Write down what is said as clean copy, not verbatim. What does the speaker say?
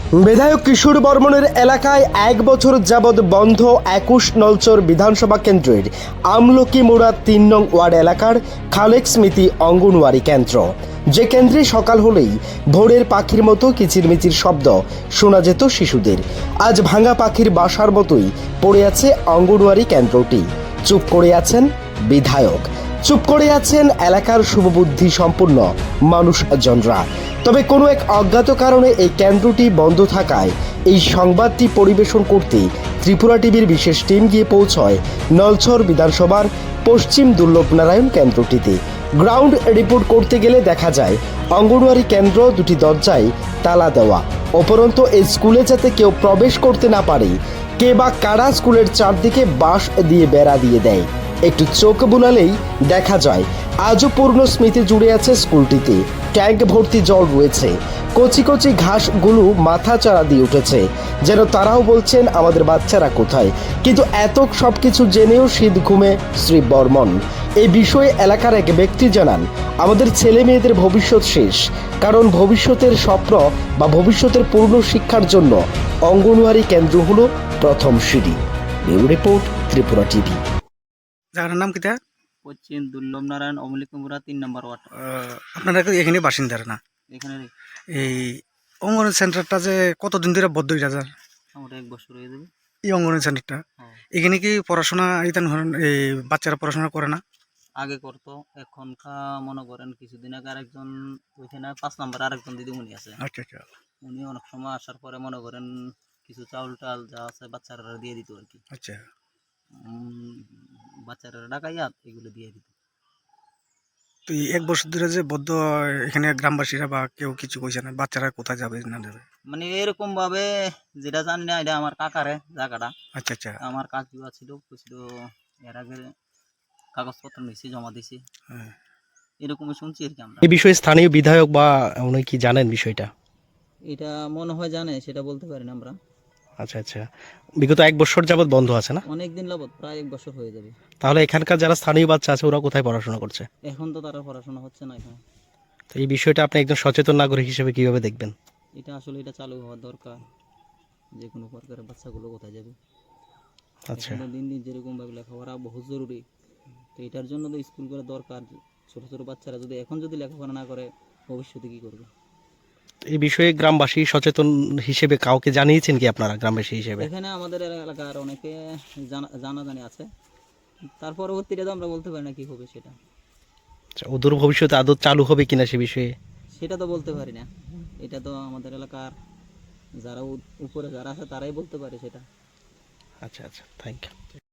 বিধায়ক কিশোর বর্মনের এলাকায় 1 বছর যাবৎ বন্ধ 21 নলচর বিধানসভা কেন্দ্রের আমলকি মোড়া 3 নং ওয়ার্ড এলাকার খালেক স্মৃতি অঙ্গনওয়াড়ি কেন্দ্র। যে কেন্দ্রে সকাল হলেই ভোরের পাখির মতো কিচিরমিচির শব্দ শোনা যেত শিশুদের, আজ ভাঙা পাখির বাসার মতোই পড়ে আছে অঙ্গনওয়াড়ি কেন্দ্রটি। চুপ করে আছেন বিধায়ক, চুপ করে আছেন এলাকার শুভবুদ্ধি সম্পন্ন মানুষজনরা। তবে কোনো এক অজ্ঞাত কারণে এই কেন্দ্রটি বন্ধ থাকায় এই সংবাদটি পরিবেশন করতে ত্রিপুরা টিভির বিশেষ টিম গিয়ে পৌঁছয় নলছর বিধানসভার পশ্চিম দুর্লভনারায়ণ কেন্দ্রটিতে। গ্রাউন্ড রিপোর্ট করতে গেলে দেখা যায় অঙ্গনওয়াড়ি কেন্দ্র দুটি দরজায় তালা দেওয়া। উপরন্তু এই স্কুলে যাতে কেউ প্রবেশ করতে না পারে, কে বা কারা স্কুলের চারদিকে বাঁশ দিয়ে বেড়া দিয়ে দেয়। একটু চোখ বুলালেই দেখা যায় আজও পূর্ণ স্মৃতি জুড়ে আছে স্কুলটিতে। ট্যাঙ্ক ভর্তি জল রয়েছে, কচি কচি ঘাসগুলো মাথা চাড়া দিয়ে উঠেছে, যেন তারাও বলছেন আমাদের বাচ্চারা কোথায়। কিন্তু এত সব কিছু জেনেও শীত ঘুমে শ্রী বর্মন। এই বিষয়ে এলাকার এক ব্যক্তি জানান, আমাদের ছেলে মেয়েদের ভবিষ্যৎ শেষ, কারণ ভবিষ্যতের স্বপ্ন বা ভবিষ্যতের পূর্ণ শিক্ষার জন্য অঙ্গনওয়াড়ি কেন্দ্র হলো প্রথম সিঁড়ি। Bureau report, Tripura TV. জায়গাটার নাম কিটা? পশ্চিম দুর্লভনারায়ণ অমলিকপুরা 3 নম্বর ওয়ার্ড। আপনারা কি এখানে বাসিন্দারা না? এখানে এই অঙ্গনওয়াড়ি সেন্টারটা যে কতদিন ধরে বদ্ধ হয়ে যাচ্ছে? আমার 1 বছর হয়ে যাবে। এই অঙ্গনওয়াড়ি সেন্টারটা এখানে কি পড়াশোনা এই বাচ্চারা পড়াশোনা করে না? আগে করতো, এখনকা মনে করেন কিছুদিন আগে আরেকজন ওইখানে 5 নম্বর আরেকজন দিদিমণি আছে। আচ্ছা আচ্ছা। উনি অনেক সময় আসার পরে মনে করেন কিছু চাউল টাল যা আছে বাচ্চারা দিয়ে দিত আর কি। আচ্ছা, বাচ্চারা ডাকাইয়া এগুলো দিয়ে দিত। তো এই 1 বছর ধরে যে বদ্ধ, এখানে গ্রামবাসীরা বা কেউ কিছু কইছে না বাচ্চারা কোথায় যাবে না যাবে? মানে এরকম ভাবে যেটা জানি না, এটা আমার কাকারে জায়গাটা। আচ্ছা আচ্ছা। আমার কাকিও ছিল, বুঝছিল এর আগে কাগজপত্র নিয়েছি, জমা দিছি, হ্যাঁ। এরকমই শুনছি আর কি আমরা। এই বিষয়ে স্থানীয় বিধায়ক বা উনি কি জানেন বিষয়টা? এটা মনে হয় জানে, সেটা বলতে পারি না আমরা। আচ্ছা আচ্ছা, বিগত 1 বছর যাবৎ বন্ধ আছে না? অনেক দিন যাবত, প্রায় 1 বছর হয়ে যাবে। তাহলে এখানকার যারা স্থানীয় বাচ্চা আছে ওরা কোথায় পড়াশোনা করছে? এখন তো তারা পড়াশোনা হচ্ছে না এখানে। তো এই বিষয়টা আপনি একজন সচেতন নাগরিক হিসেবে কিভাবে দেখবেন? এটা আসলে এটা চালু হওয়া দরকার, যে কোনো প্রকারের বাচ্চাগুলো কোথায় যাবে। আচ্ছা, এখন দিন দিন যেরকম ভাবে লেখাপড়া বহুত জরুরি, তো এটার জন্য তো স্কুল করা দরকার। ছোট ছোট বাচ্চারা যদি এখন যদি লেখাপড়া না করে, ভবিষ্যতে কি করবে? এই বিষয়ে গ্রামবাসী সচেতন হিসেবে কাউকে জানিয়েছেন কি আপনারা গ্রামবাসী হিসেবে? এখানে আমাদের এলাকার অনেকে জানাজানি আছে, তার পরবর্তীতে তো আমরা বলতে পারি না কি হবে সেটা। আচ্ছা, অদূর ভবিষ্যতে আদৌ চালু হবে কিনা সে বিষয়ে? সেটা তো বলতে পারি না, এটা তো আমাদের এলাকার যারা উপরে যারা আছে তারাই বলতে পারে সেটা। আচ্ছা আচ্ছা, থ্যাংক ইউ।